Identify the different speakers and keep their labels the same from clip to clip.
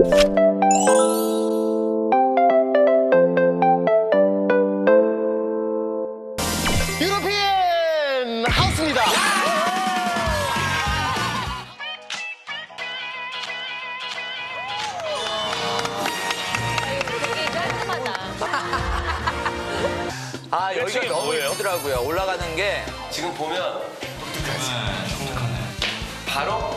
Speaker 1: 유로피엔 하우스입니다.
Speaker 2: 아, 여기가
Speaker 3: 층이
Speaker 2: 너무
Speaker 3: 뭐예요?
Speaker 2: 예쁘더라고요. 올라가는 게.
Speaker 4: 지금 보면 바로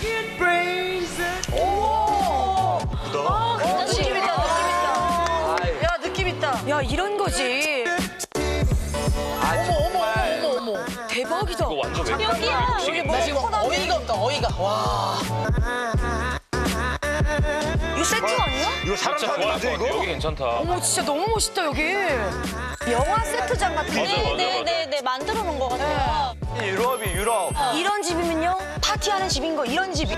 Speaker 5: 느낌 있다,
Speaker 2: 아유,
Speaker 5: 야, 느낌 있다. 야, 이런 거지.
Speaker 2: 아, 정말.
Speaker 5: 어머. 대박이다.
Speaker 3: 이거 완전 외국
Speaker 5: 여기야.
Speaker 3: 음식인데?
Speaker 5: 나 지금 어이가 없다, 어이가. 와. 이거 세팅 아니야?
Speaker 1: 이거 사람
Speaker 3: 진짜
Speaker 1: 사는
Speaker 3: 좋아할
Speaker 1: 건데
Speaker 3: 것 같아.
Speaker 1: 이거?
Speaker 3: 여기 괜찮다.
Speaker 5: 어머, 진짜 너무 멋있다, 여기. 영화 세트장 같은데.
Speaker 3: 맞아.
Speaker 6: 네, 만들어 놓은 것 같아요.
Speaker 2: 유럽이 유럽.
Speaker 5: 이런 집이면요, 파티하는 집인 거, 이런 집이.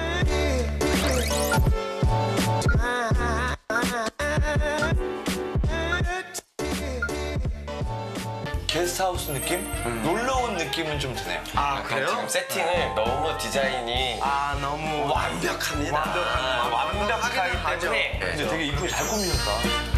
Speaker 2: 게스트하우스 느낌? 놀러 온 느낌은 좀 드네요.
Speaker 4: 아 그래요? 지금 세팅을 너무 디자인이
Speaker 1: 너무
Speaker 4: 완벽합니다. 완벽하기 때문에
Speaker 2: 근데 되게 이쁘게 잘 꾸미셨다.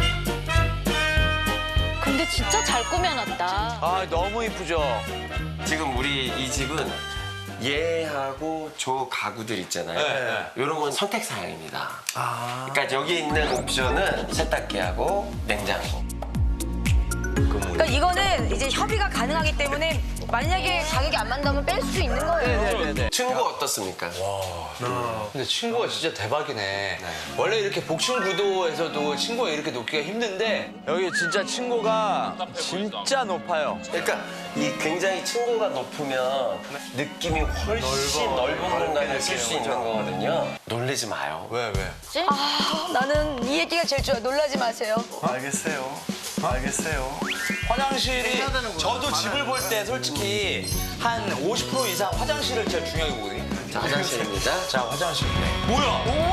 Speaker 6: 근데 진짜 잘 꾸며놨다.
Speaker 2: 아, 너무 이쁘죠?
Speaker 4: 지금 우리 이 집은 얘하고 저 가구들 있잖아요.
Speaker 2: 네.
Speaker 4: 이런 건 선택 사항입니다. 그러니까 여기 있는 옵션은 세탁기하고 냉장고.
Speaker 5: 그러니까 이거는 이제 협의가 가능하기 때문에 만약에 가격이 안 맞다면 뺄 수 있는 거예요.
Speaker 2: 네네네.
Speaker 4: 층고 어떻습니까?
Speaker 2: 근데 친구가 진짜 대박이네. 원래 이렇게 복층 구도에서도 친구가 이렇게 놓기가 힘든데 여기 진짜 친구가 진짜 높아요.
Speaker 4: 그러니까 이 굉장히 층고가 높으면 느낌이 훨씬 넓은 공간을 쓸 수 있는 거거든요. 놀라지 마요.
Speaker 2: 왜?
Speaker 5: 나는 이 얘기가 제일 좋아. 놀라지 마세요.
Speaker 1: 알겠어요.
Speaker 2: 화장실이 저도 집을 볼 때 솔직히 한 50% 이상 화장실을 제일 중요하게 보거든요.
Speaker 4: 자, 화장실입니다.
Speaker 2: 자, 화장실. 뭐야?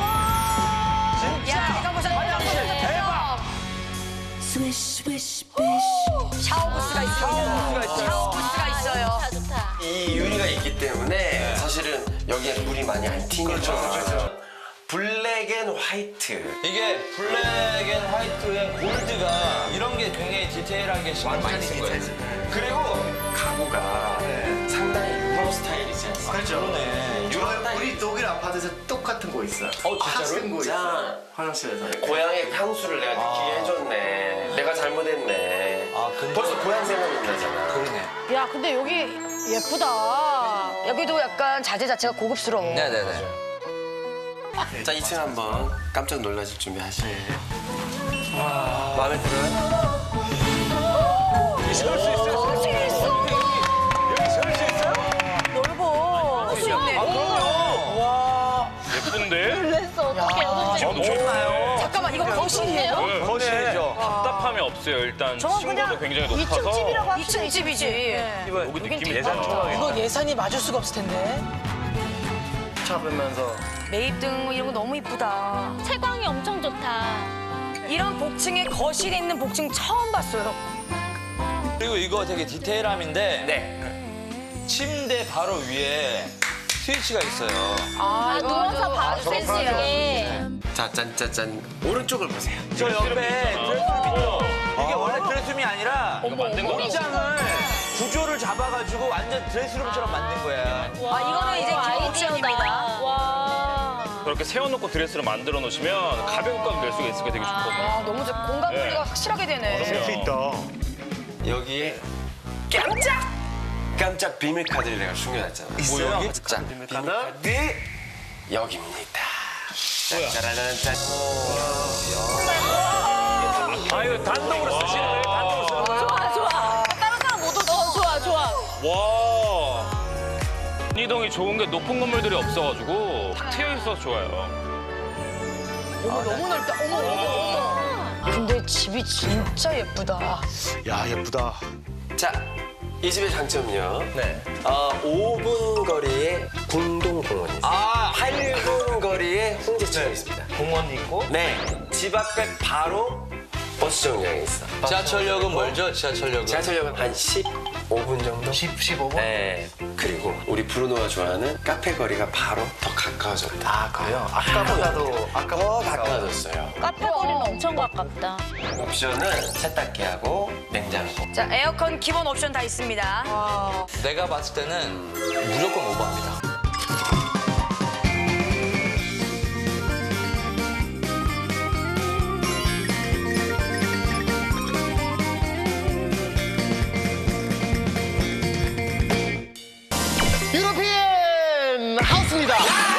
Speaker 5: 야, 이거 보자. 화장실 대박. 샤워 부스가 있어요. 샤워 부스가 있어요.
Speaker 6: 좋다.
Speaker 4: 이 유리가 있기 때문에 사실은 여기에 물이 많이 안 튀는 거죠. 블랙 앤 화이트.
Speaker 2: 이게 블랙 앤 화이트의 골드가 이런 게 굉장히 디테일하게 신경 많이 쓴 거예요.
Speaker 4: 그리고 가구가 상당히 유럽 스타일이지 않습니까?
Speaker 1: 그렇죠.
Speaker 2: 그러네.
Speaker 4: 유럽 스타일.
Speaker 1: 우리 독일 아파트에서 똑같은 거 있어요.
Speaker 2: 진짜로?
Speaker 1: 같은 거 있어요. 화장실에서.
Speaker 4: 고향의 향수를 내가 느끼게 해줬네. 내가 잘못했네.
Speaker 2: 아, 근데
Speaker 4: 벌써 고향 생각이 나잖아.
Speaker 2: 그러네.
Speaker 5: 야, 근데 여기 예쁘다. 여기도 약간 자재 자체가 고급스러워.
Speaker 2: 네네네.
Speaker 4: 자, 2층 한번 깜짝 놀라실 준비 하시고. 마음에 들어요?
Speaker 5: 거실이 있어.
Speaker 1: 여기 설 수 있어요?
Speaker 5: 넓어.
Speaker 2: 아, 그럼요. 와.
Speaker 3: 예쁜데?
Speaker 6: 놀랬어. 어떻게 여기
Speaker 3: 너무 좋나요?
Speaker 5: 잠깐만, 이거 거실이에요?
Speaker 3: 네.
Speaker 2: 거실이죠.
Speaker 3: 답답함이 없어요. 일단 층고도 굉장히 높아서
Speaker 5: 2층 집이지.
Speaker 3: 여기 느낌이 예산 초과겠다.
Speaker 5: 이거 예산이 맞을 수가 없을 텐데.
Speaker 1: 잡으면서.
Speaker 5: 매입등 뭐 이런 거 너무 이쁘다.
Speaker 6: 채광이 엄청 좋다.
Speaker 5: 이런 복층에 거실에 있는 복층 처음 봤어요.
Speaker 2: 그리고 이거 되게 디테일함인데
Speaker 4: 네.
Speaker 2: 침대 바로 위에 스위치가 있어요.
Speaker 6: 아, 누워서 바로 쓸 수 있게.
Speaker 4: 자, 짠짜짠. 오른쪽을 보세요.
Speaker 2: 저 옆에 드레스룸 있죠? 이게 원래 드레스룸이 아니라
Speaker 3: 이거 만든 거라고.
Speaker 2: 옷장을 구조를 잡아가지고 완전 드레스룸처럼 만든 거야.
Speaker 5: 아, 이거는 이제 기본옵션입니다.
Speaker 6: 와.
Speaker 3: 그렇게 세워놓고 드레스를 만들어 놓으시면 가볍게까지 낼 수가 있으니까 되게 좋거든요.
Speaker 5: 아, 너무 좋 공간 분리가
Speaker 3: 네.
Speaker 5: 확실하게 되네.
Speaker 1: 셀수 있다.
Speaker 4: 여기에 깜짝 비밀 카드를 내가 숨겨놨잖아.
Speaker 1: 있어요?
Speaker 4: 여기? 자, 비밀 카드 여기입니다. 짜라란짠.
Speaker 3: 아유, 단독으로 쓰시는 거예요? 단독으로 쓰는 거예요?
Speaker 6: 좋아. 다른 사람 못 오죠? 좋아.
Speaker 3: 와. 이동이 좋은 게 높은 건물들이 없어가지고 탁 트여 있어서 좋아요.
Speaker 5: 어머, 너무 넓다. 어머. 근데 집이 진짜 예쁘다.
Speaker 1: 야, 예쁘다.
Speaker 4: 자, 이 집의 장점은요.
Speaker 2: 네.
Speaker 4: 5분 거리에 궁동공원이 있어요.
Speaker 2: 아,
Speaker 4: 8분 거리에 홍제천이 있습니다.
Speaker 2: 공원이 있고.
Speaker 4: 네, 집 앞에 바로 버스 정류장이 있어.
Speaker 2: 지하철역은 멀죠? 지하철역은.
Speaker 4: 지하철역은 한 10분 5분 정도?
Speaker 1: 15분?
Speaker 4: 네. 그리고 우리 브루노가 좋아하는 카페 거리가 바로 더 가까워졌다.
Speaker 1: 아, 그래요? 아까보다도
Speaker 4: 더 가까워졌어요.
Speaker 6: 카페 거리는 엄청 가깝다.
Speaker 4: 옵션은 세탁기하고 냉장고.
Speaker 5: 자, 에어컨 기본 옵션 다 있습니다.
Speaker 2: 내가 봤을 때는 무조건 오버합니다.
Speaker 1: 유로피엔 하우스입니다.